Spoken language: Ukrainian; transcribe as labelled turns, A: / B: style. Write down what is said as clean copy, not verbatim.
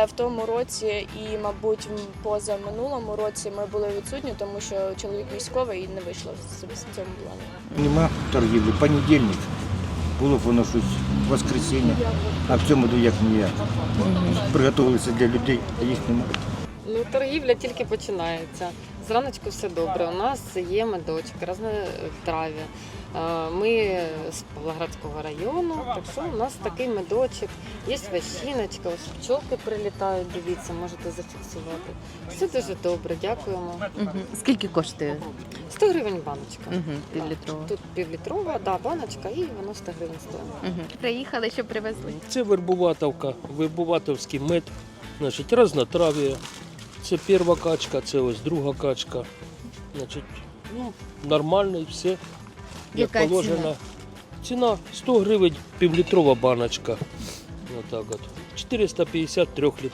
A: в тому році і, мабуть, позаминулому році ми були відсутні, тому що чоловік військовий і не вийшло в цьому плані.
B: Нема торгівлі. Понедільник. Було б воно щось воскресіння, а в цьому году як ніяк. Приготувалися для людей, а їх немає.
C: Ну, торгівля тільки починається. Зраночку все добре. У нас є медочок, різнотрав'я. Ми з Павлоградського району, так що у нас такий медочок. Є ващиночка, ось пчолки прилітають, дивіться, можете зафіксувати. Все дуже добре, дякуємо.
D: Скільки коштує?
C: 100 гривень баночка.
D: Півлітрова.
C: Тут півлітрова, да, баночка, і воно 100 гривень стоїть.
D: Приїхали, що привезли?
E: Це вербуватовка, вербуватовський мед, значить, разнотрав'я. Це перша качка, це ось друга качка. Значить, ну, нормально і все, як
D: Яка
E: положено.
D: ціна?
E: Ціна 100 гривень, півлітрова баночка. Отак от. 450 3